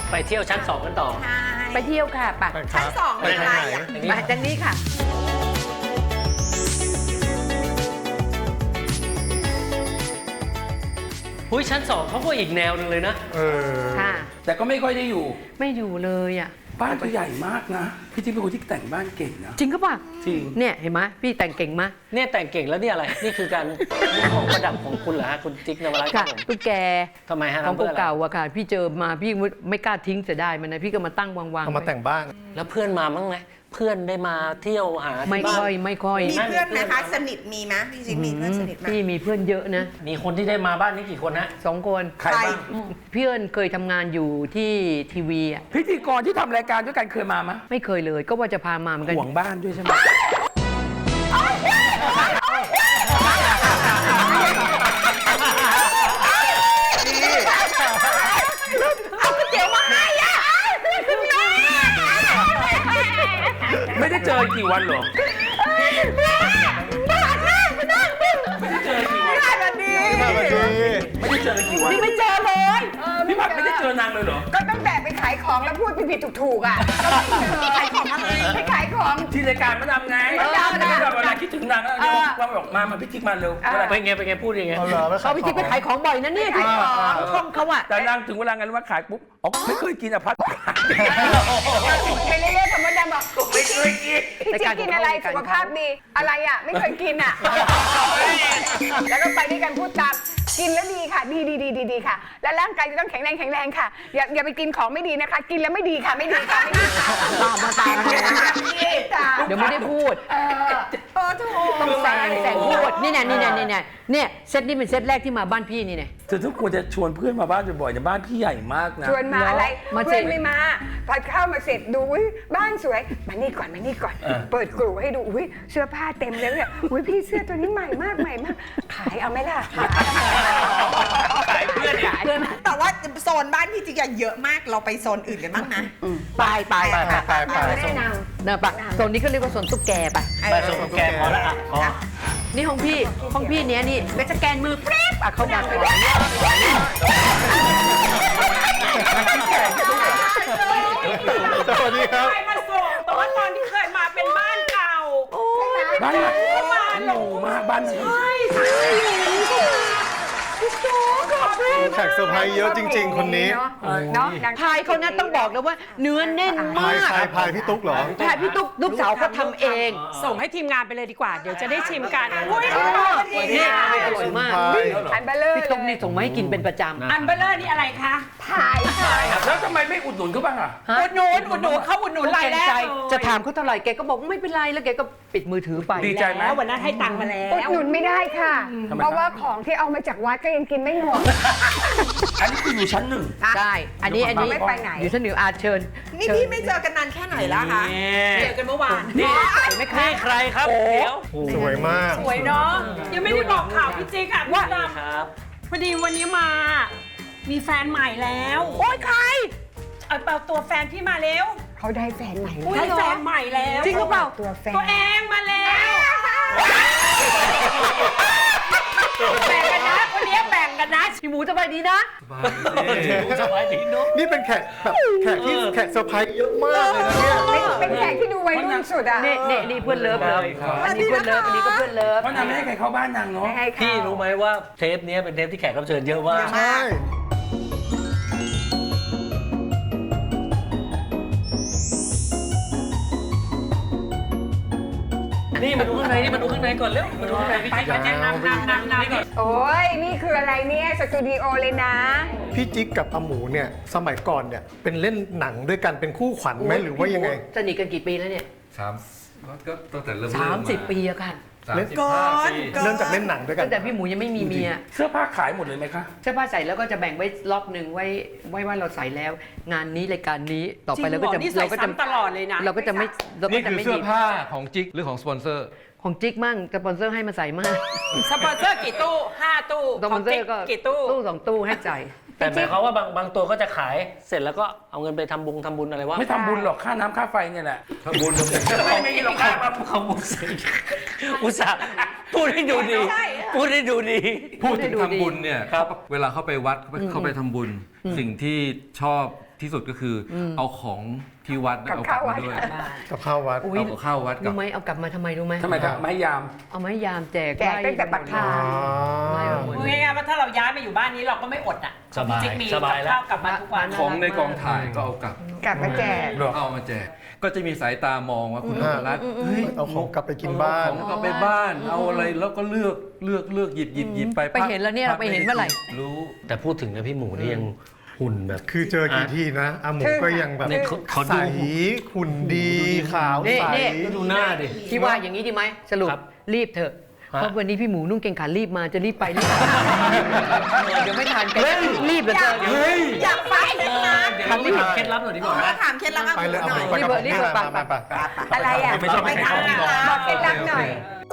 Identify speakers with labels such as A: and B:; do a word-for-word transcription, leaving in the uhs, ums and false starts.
A: ไปเที่ยวชั้นสองกันต่อ
B: ไปเที่ยวค่ะไป
C: ชั้นสองเป็นอะไรอ่ะ
B: มาทางนี้ค่ะ
A: หุ้ยชั้นสองเขาก็อีกแนวหนึ่งเลยนะ
D: เออ
B: ค่ะ
E: แต่ก็ไม่ค่อยได้อยู่
B: ไม่อยู่เลยอ่ะ
E: บ้านก็ใหญ่มากนะพี่จิ๊กเป็นคนที่แต่งบ้านเก่งนะ
B: จริงก็ป่ะ
E: จริง
B: เนี่ยเห็นไหมพี่แต่งเก่งมะ
A: เนี่ยแต่งเก่งแล้วนี่อะไรนี่คือการของประดับของคุณเหรอฮะคุณจิ๊กนวรัตน์ครับผม
B: ตุ๊กแก
A: ทำไมฮะ
B: ของเก่าๆอะค่ะพี่เจอมาพี่ไม่กล้าทิ้งเสียดายมันนะพี่ก็มาตั้งวางๆ
D: เอามาแต่งบ้าน
A: แล้วเพื่อนมามั้งไหมเพื่อนได้มาเที่ยวหา
B: ไม่ค่อยไม่ค่อย
C: มีเพื่อนไหมคะสนิทมีไหมพี่จิ๊กมีเพื่อนสนิทไหม
B: พี่มีเพื่อนเยอะนะ
A: มีคนที่ได้มาบ้านนี้กี่คนฮะ
B: สองคน
E: ใครบ้าง
B: เพื่อนเคยทำงานอยู่ที่ทีวีอ่ะ
E: พิธีกรที่ทำรายการด้วยกันเคยมาไหม
B: ไม่เคยเลยก็ว่าจะพามาเหมือนกัน
E: ห่วงบ้านด้วยใช่ไหม
B: เอาก๋วยเตี๋ยวมาให้อ่ะ
E: ไม่ได้เจอกี่วันหรอไม่ได้เจอกี่วัน
C: แบบนี้
E: ไม่ได้เจอกี่วัน
B: นี่ไม่เจอเลย
E: พี่ผัดไม่ได้เจอนางเลยเหรอ
C: ก็ตั้งแต่ไปขายของแล้วพูดผิดๆถูกๆอ่ะไปขายของอะไรไปขายของ
E: ที่รายการมาดำไงมาดำนะเวลาคิดถึงนางแล้วเราบอกมามาพี่จิ๊กมาเร็ว
A: ไปไงไปไงพูดยังไง
B: เขาพี่จิ๊กไปขายของบ่อยนะเนี่ยขายของช่องเขาอะ
E: แต่นางถึงเวลาไงรู้ว่าขายปุ๊บอ๋อไม่เคยกินอ่ะพัด
C: ไปเรื่อยๆธรรมดาบอก
E: ไม่เคยกิน
C: พี่จิ๊กกินอะไรสุขภาพดีอะไรอ่ะไม่เคยกินอ่ะแล้วก็ไปด้วยกันพูดตามกินแล้วดีค่ะดีดีดีดีดีค่ะและร่างกายจะต้องแข็งแรงแข็งแรงค่ะอย่าอย่าไปกินของไม่ดีนะคะกินแล้วไม่ดีค่ะไม่ดีค่ะไม่ดีค่ะ
B: ตามมาตามเดี๋ยวไม่ได้พูด
C: เออเออถูก
B: ต้องแซงแซงพูดนี่เนี่ยนี่เนี่ยนี่เนี่ยเนี่ยเซตนี้เป็นเซตแรกที่มาบ้านพี่นี่เนี่ย
E: เธอทุกคนจะชวนเพื่อนมาบ้านบ่อยๆแต่บ้านพี่ใหญ่มากนะ
C: ชวนมาอะไรเพื่อนไม่มาพอเข้ามาเสร็จดูบ้านสวยมานี่ก่อนมานี่ก่อนเปิดกลุ่ให้ดูอุ้ยเสื้อผ้าเต็มเลยเนี่ยอุ้ยพี่เสื้อตัวนี้ใหม่มากใหม่มากขายเอาไหมล่ะ
E: ขายเพื่อนขาย
C: เพื่อนแต่ว่าโซนบ้านพี่จิ๊กเยอะมากเราไปโซนอื่นกันบ้างนะ
B: ไปไป
D: ไปไปไป
B: ไม่ได้นางเนอะปะโซนนี้ก็เรียกว่าโซนตุ๊กแกไป
A: ไปโซนตุ๊กแกพอแล้วอ่ะพอ
B: นี่ของพี่ของพี่เนี้ยนี่ไปสแกนมือแป๊บอ่ะเข้ามาก่อน
D: สวัสดีครับ
F: เคยมาส่งแต่ว่าตอนที่เคยมาเป็นบ้านเก่า
E: บ้านใหม่บ้านหรูมากบ้านใช่ใช่
D: แขกเซอร์ไพรส์เยอะจริงๆคนนี้
B: เนาะพายเขาเนี่ยต้องบอกเลยว่าเนื้อแน่นมาก
D: พายพายพี่ตุ๊กเหรอ
B: พายพี่ตุ๊กลูกสาวเขาทำเอง
F: ส่งให้ทีมงานไปเลยดีกว่าเดี๋ยวจะได้ชิมกันอุ้ย
B: นี่อร่อยมาก
C: อันเบลเลอร์
B: พี่ตุ๊กนี่ส่งมาให้กินเป็นประจำ
F: อันเบลเลอร์นี่อะไรคะ
C: พาย
E: แล้วทำไมไม่อุดหนุนเขาบ้างอ่ะ
F: อุดหนุนอุดหนุนเขาอุดหนุนรายแรก
B: จะถามเขาเท่าไหร่แกก็บอกไม่เป็นไรแล้วแกก็ปิดมือถือไป
E: ดีใจไหม
F: วันนั้นให้ตังค์มาแล้ว
C: อุดหนุนไม่ได้ค่ะเพราะว่าของที่เอามาจากวัดก็ยังกินไม่หมด
E: อันนี้คืออยู่ชั้นหนึ่ง
B: ใช่อันนี้อันนี้
C: ไม่ไปไหน
B: อยู่ชั้นหนึ่งอาเชิญ
C: นี่พี่ไม่เจอกันนานแค่ไหนแล้วคะ
F: เจอกันเมื่อวาน
A: นี่ไม่ใครใครครับเดี๋ยว
D: สวยมาก
F: สวยเนาะยังไม่ได้บอกข่าวพี่จิ๊กอ่ะว่า
A: ครับ
F: พอดีวันนี้มามีแฟนใหม่แล้ว
C: โอ๊ยใคร
F: เอาเปล่าตัวแฟนพี่มาเร็ว
C: เขาได้แฟนใหม่
F: ได้แฟนใหม่แล้ว
B: จริงหรือเปล่า
C: ตัวแฟน
F: ตัวเองมาแล้วแบ่งกันนะคนนี้แบ่งกันนะ
B: พี่หมูสบายดีนะ
A: สบายดีเนาะ
D: นี่เป็นแขกแบบแขกที่แขกเซอร์ไพรส์เยอะมากเลยนะเนี่ย
C: เป็นแขกที่ดูวัยรุ่นสุดอ่ะ
B: นี่นี่นี่เพื่อนเลิฟเลยอันนี้เพื่อนเลิฟอันนี้ก็เพื่อนเลิฟ
E: เพราะนางไม่ให้ใครเข้าบ้านนางเนาะ
A: พี่รู้ไหมว่าเทปนี้เป็นเทปที่แขกรับเชิญเยอะมาก
D: ใช่
A: นี่มาดูข้างในนี่มาดูข้างในก่อนเร็วมาดูข้างในพี่จิ๊กก่อนนั่งนั่งนั่งนั่งก่อน
C: โอ้ยนี่คืออะไรเนี่ยสตูดิโอเลยนะ
D: พี่จิ๊กกับอาหมูเนี่ยสมัยก่อนเนี่ยเป็นเล่นหนังด้วยกันเป็นคู่ขวัญไหมหรือว่ายังไง
B: สนิทกันกี่ปีแล้วเนี่ย
G: สามก็ตั้งแต่เริ่ม
B: สามสิบปีอะค่ะ
D: เล่นก่อนเริ่มจากเล่นหนังด้วยกัน
B: ตั้งแต่พี่หมูยังไม่มีเมีย
E: เสื้อผ้าขายหมดเลยไหมคะ
B: เสื้อผ้าใส่แล้วก็จะแบ่งไว้ล็อกหนึ่งไว้ไว้ว่าเราใส่แล้วงานนี้รายการนี้ต่อไปเราก็จะ
F: เราก็จะตลอดเลยนะ
B: เราก็จะไม่
G: นี่คือเสื้อผ้าของจิ๊กหรือของสปอนเซอร์
B: ของจิ๊กมั่งสปอนเซอร์ให้มาใส่มาก
F: สปอนเซอร์กี่ตู้ห้าตู้
B: สปอนเซอร์ก็
F: กี่ตู้
B: ตู้สองตู้ให้ใจ
A: แต่หมายความว่าบางบางตัวก็จะขายเสร็จแล้วก็เอาเงินไปทำบุญทำบุญอะไรวะ
E: ไม่ทำบุญหรอกค่าน้ำค่าไฟเนี่ยแหละ
G: ทำบุญทำบุญ
E: ไม่ไม่หรอกค่า
A: เขาบุญอุตส่าห์พูดให้ดูดีพูดให้ดูดี
G: พูดถึงทำบุญเนี่ยเวลาเข้าไปวัดเข้าไปทำบุญสิ่งที่ชอบที่สุดก็คืออเอาของที่วัดเนี่ย
C: กับ
G: เอากลับ
C: ข้าววั
G: มา
C: ด
G: ด้วย
D: กับข้าววัด
B: อุ๊ย
G: เอากับข้าววัดกับ
B: รู้ไหมเอากลับมาทำไมรู้ไหม
E: ทำไมครับไม้ยาม
B: เอาไม้ยามแจก
C: แจกตั้งแต่ปักทาง
B: ไล่ไปหมด
F: พูดง่ายๆว่าถ้าเราย้ายมาอยู่บ้านนี้เราก็ไม่อดอ่ะ
A: สบาย
F: จิ๊กมี
A: สบายแล้ว
F: ข้าวกลับมาทุกวัน
G: ของในกองถ่ายก็เอากลับ
C: กลับมาแจก
G: เอามาแจกก็จะมีสายตามองว่าคุณนพรัตน์เฮ้ย
D: เอาของกลับไปกินบ้าน
G: เอของกลับไปบ้านเอาอะไรแล้วก็เลือกเลือกเลือกหยิบหยิบหยิบไป
B: ไปเห็นแล้วเนี่ยเราไปเห็นเมื่อไหร่
G: รู้
A: แต่พูดถึงนะพี่หมูนี่ยังหุ่นแบบ
D: คือเจอกี่ทีนะอาหมูก็ยังแบบ
A: เนี่ยเขาเขา
D: ใส
A: ดู
D: หุ่นดีขาว
B: นี่
D: ใส
B: นี่
A: ก็ดูหน้าดิ
B: ที่ว่าอย่างนี้ดีไหมสรุป
A: ครับ
B: รีบเถอะ
A: ฮะ
B: เพราะวันนี้พี่หมูนุ่งเกงขารีบมาจะรีบไปรีบมาเดี๋ยวไม่ทันกันรีบเหลือเกิน
A: เฮ้ย
C: อยากฟังนะ
A: เดี๋ยวพี่ถามเคล็ดลับหน่อยดีกว่าไหม
H: ถามเคล็ดลับอาห
D: ไป
H: มู
D: เลยเอา
H: หน่อย
D: ไปกับผม
B: รี
D: นี่
B: บ
D: แหละ
B: ไป
D: มา
B: ไป
D: มาไป
C: อะไรอ่ะ
A: ไม่ชอบให้ใครเข้าห้องนอน
C: บอกเคล็ดลับหน่อย